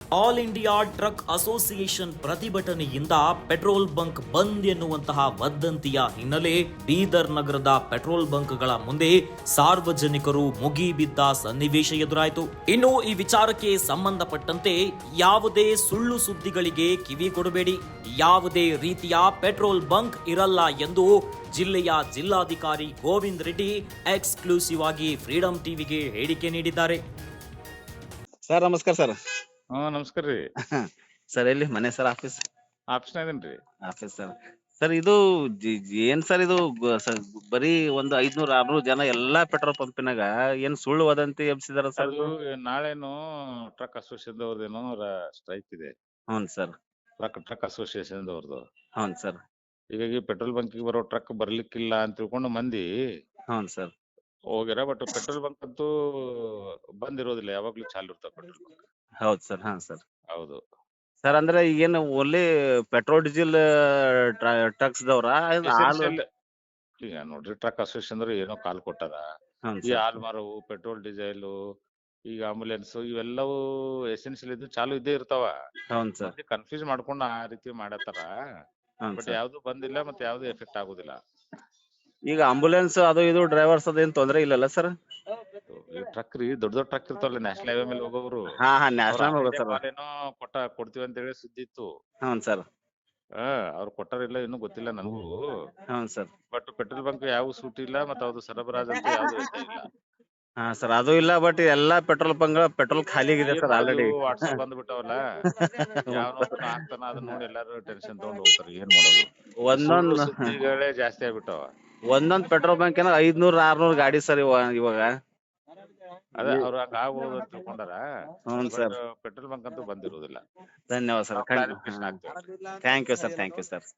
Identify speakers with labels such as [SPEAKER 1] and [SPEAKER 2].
[SPEAKER 1] All India truck association ಪ್ರತಿಭಟನೆಯಿಂದ petrol bunk bandh ಎನ್ನುವಂತಹ ವದಂತಿಯ ಹಿನ್ನೆಲೆ ಬೀದರ್ ನಗರದ ಪೆಟ್ರೋಲ್ ಬಂಕ್ಗಳ ಮುಂದೆ ಸಾರ್ವಜನಿಕರು ಮುಗಿಬಿದ್ದ ಸನ್ನಿವೇಶ ಎದುರಾಯಿತು. ಇನ್ನು ಈ ವಿಚಾರಕ್ಕೆ ಸಂಬಂಧಪಟ್ಟಂತೆ ಯಾವುದೇ ಸುಳ್ಳು ಸುದ್ದಿಗಳಿಗೆ ಕಿವಿ ಕೊಡಬೇಡಿ, ಯಾವುದೇ ರೀತಿಯ ಪೆಟ್ರೋಲ್ ಬಂಕ್ ಇರಲ್ಲ ಎಂದು ಜಿಲ್ಲೆಯ ಜಿಲ್ಲಾಧಿಕಾರಿ ಗೋವಿಂದ್ ರೆಡ್ಡಿ ಎಕ್ಸ್ಕ್ಲೂಸಿವ್ ಆಗಿ ಫ್ರೀಡಂ ಟಿವಿಗೆ ಹೇಳಿಕೆ ನೀಡಿದ್ದಾರೆ.
[SPEAKER 2] ಸರ್ ನಮಸ್ಕಾರ ಸರ್.
[SPEAKER 3] ನಮಸ್ಕಾರ ರೀ.
[SPEAKER 2] ಸರ್ ಎಲ್ಲಿ ಮನೆ ಸರ್? ಆಫೀಸ್
[SPEAKER 3] ಆಫೀಸ್ನಾಗ ಇದೀನ್ರಿ.
[SPEAKER 2] Office sir. ಸರ್ ಇದು ಏನ್ ಸರ್ ಇದು ಬರೀ ಒಂದು 500-600 ಜನ ಎಲ್ಲಾ ಪೆಟ್ರೋಲ್ ಪಂಪಿನಾಗ ಏನ್ ಸುಳ್ಳು ವದಂತಿ ಎಬ್ಸಿದಾರ ಸರ್?
[SPEAKER 3] ಅದು ನಾಳೆನು ಟ್ರಕ್ ಅಸೋಸಿಯೇಷನ್ ಅವ್ರದೇನೋ ಸ್ಟ್ರೈಕ್ ಇದೆ.
[SPEAKER 2] ಹ್ಞೂ ಸರ್.
[SPEAKER 3] ಟ್ರಕ್ ಅಸೋಸಿಯೇಷನ್ ಅವ್ರದ್ದು.
[SPEAKER 2] ಹ್ಞೂ ಸರ್.
[SPEAKER 3] ಹೀಗಾಗಿ ಪೆಟ್ರೋಲ್ ಬಂಕಿಗೆ ಬರೋ ಟ್ರಕ್ ಬರ್ಲಿಕ್ಕಿಲ್ಲ ಅಂತ ತಿಳ್ಕೊಂಡು ಮಂದಿ
[SPEAKER 2] ಹ್ಞೂ ಸರ್.
[SPEAKER 3] ಹೋಗ್ಯಾರ. ಬಟ್ ಪೆಟ್ರೋಲ್ ಬಂಕ್ ಅಂತೂ ಬಂದ್ ಇರೋದಿಲ್ಲ, ಯಾವಾಗ್ಲೂ ಚಾಲು ಇರ್ತಾವ ಪೆಟ್ರೋಲ್ ಬಂಕ್.
[SPEAKER 2] ಹೌದು ಸರ್. ಹಾ ಸರ್.
[SPEAKER 3] ಹೌದು
[SPEAKER 2] ಸರ್ ಅಂದ್ರೆ ಈಗೇನು ಓನ್ಲಿ ಪೆಟ್ರೋಲ್ ಡೀಸೆಲ್ ಟ್ರಕ್ಸ್ ದವ್ರ?
[SPEAKER 3] Essential. ಈಗ ನೋಡ್ರಿ, ಟ್ರಕ್ ಅಸೋಸಿಯೇಷನ್ ಅಂದ್ರೆ ಏನೋ ಕಾಲ್ ಕೊಟ್ಟಾರ.
[SPEAKER 2] ಹ್ಞೂ
[SPEAKER 3] ಈ
[SPEAKER 2] ಸರ್.
[SPEAKER 3] ಹಾಲ್ ಮಾರವು, ಪೆಟ್ರೋಲ್ ಡೀಸೆಲ್, ಈಗ ಆಂಬುಲೆನ್ಸ್, ಇವೆಲ್ಲವೂ ಎಸೆನ್ಷಿಯಲ್ ಇದ್ದು ಚಾಲು ಇದ್ದೇ ಇರ್ತಾವ.
[SPEAKER 2] ಹೌದು ಸರ್.
[SPEAKER 3] ಕನ್ಫ್ಯೂಸ್ ಮಾಡ್ಕೊಂಡು ಆ ರೀತಿ ಮಾಡತ್ತಾರ.
[SPEAKER 2] ಹ್ಞೂ
[SPEAKER 3] ಬಟ್
[SPEAKER 2] ಸರ್.
[SPEAKER 3] ಯಾವ್ದು ಬಂದಿಲ್ಲ, ಮತ್ತೆ ಯಾವ್ದು ಎಫೆಕ್ಟ್ ಆಗುದಿಲ್ಲ.
[SPEAKER 2] ಈಗ ಆಂಬುಲೆನ್ಸ್ ಅದು ಇದು ಡ್ರೈವರ್ಸ್ ಅದೇನ್ ತೊಂದ್ರೆ ಇಲ್ಲಲ್ಲ ಸರ್?
[SPEAKER 3] ಈ ಟ್ರಕ್ ರೀ, ದೊಡ್ಡ ದೊಡ್ಡ ಟ್ರಕ್ ಇರ್ತಾವಲ್ಲ, ನ್ಯಾಷನಲ್ ಹೈವೇ ಮೇಲೆ ಹೋಗೋರು,
[SPEAKER 2] ಹಾ ಹಾ
[SPEAKER 3] ಅವ್ರ
[SPEAKER 2] ನ್ಯಾಷನಲ್ ಹೋಗೋದು ಸರ್.
[SPEAKER 3] ಏನೋ ಕೊಡ್ತೀವಿ ಅಂತ ಹೇಳಿ ಸುದ್ದಿ ಇತ್ತು.
[SPEAKER 2] ಹ್ಞೂ ಸರ್.
[SPEAKER 3] ಅವ್ರು ಕೊಟ್ಟಾರಿಲ್ಲ ಇನ್ನೂ ಗೊತ್ತಿಲ್ಲ ನನಗೂ.
[SPEAKER 2] ಹ್ಞೂ ಸರ್.
[SPEAKER 3] ಬಟ್ ಪೆಟ್ರೋಲ್ ಬಂಕ್ ಯಾವ ಸೂಟ್ ಇಲ್ಲ, ಮತ್ತೆ ಅವ್ದು ಸರಬರಾಜ್ ಅಂತ ಯಾವ್ದು ಇದ್ದೇ ಇಲ್ಲ.
[SPEAKER 2] ಹಾ ಸರ್, ಅದು ಇಲ್ಲ. ಬಟ್ ಎಲ್ಲಾ ಪೆಟ್ರೋಲ್ ಪೆಟ್ರೋಲ್ ಖಾಲಿ ಆಗಿದೆ ಸರ್ ಆಲ್ರೆಡಿ.
[SPEAKER 3] ವಾಟ್ಸ್ಆಪ್ ಬಂದ್ಬಿಟ್ಟವಲ್ಲ, ಯಾವನೊಬ್ಬನ ಹಾಕ್ತಾನ, ಅದನ್ನ ನೋಡಿ ಎಲ್ಲಾರು ಟೆನ್ಷನ್ ತಗೊಂಡ್ ಹೋಗ್ತಾರೆ. ಏನ್ ಮಾಡೋದು, ಸುಳ್ಳು
[SPEAKER 2] ಒಂದೊಂದ್
[SPEAKER 3] ಸುದ್ದಿಗಳೇ ಜಾಸ್ತಿ ಆಗ್ಬಿಟ್ಟವ.
[SPEAKER 2] ಒಂದೊಂದ್ ಪೆಟ್ರೋಲ್ ಬಂಕ್ ಏನೋ 500-600 ಗಾಡಿ ಸರ್ ಇವಾಗ.
[SPEAKER 3] ಅದೇ ಅವ್ರು ಹಂಗ ಆಗ್ಬೋದು ಅಂತ ತಿಳ್ಕೊಂಡಾರ.
[SPEAKER 2] ಹ್ಞೂ
[SPEAKER 3] ಬಟ್
[SPEAKER 2] ಸರ್.
[SPEAKER 3] ಪೆಟ್ರೋಲ್ ಬಂಕ್ ಅಂತೂ ಬಂದಿರೋದಿಲ್ಲ.
[SPEAKER 2] ಧನ್ಯವಾದ ಸರ್.
[SPEAKER 3] ಕ್ಲಾರಿಫಿಕೇಶನ್ ಆಗ್ತೇವೆ.
[SPEAKER 2] Thank you sir. Thank you sir.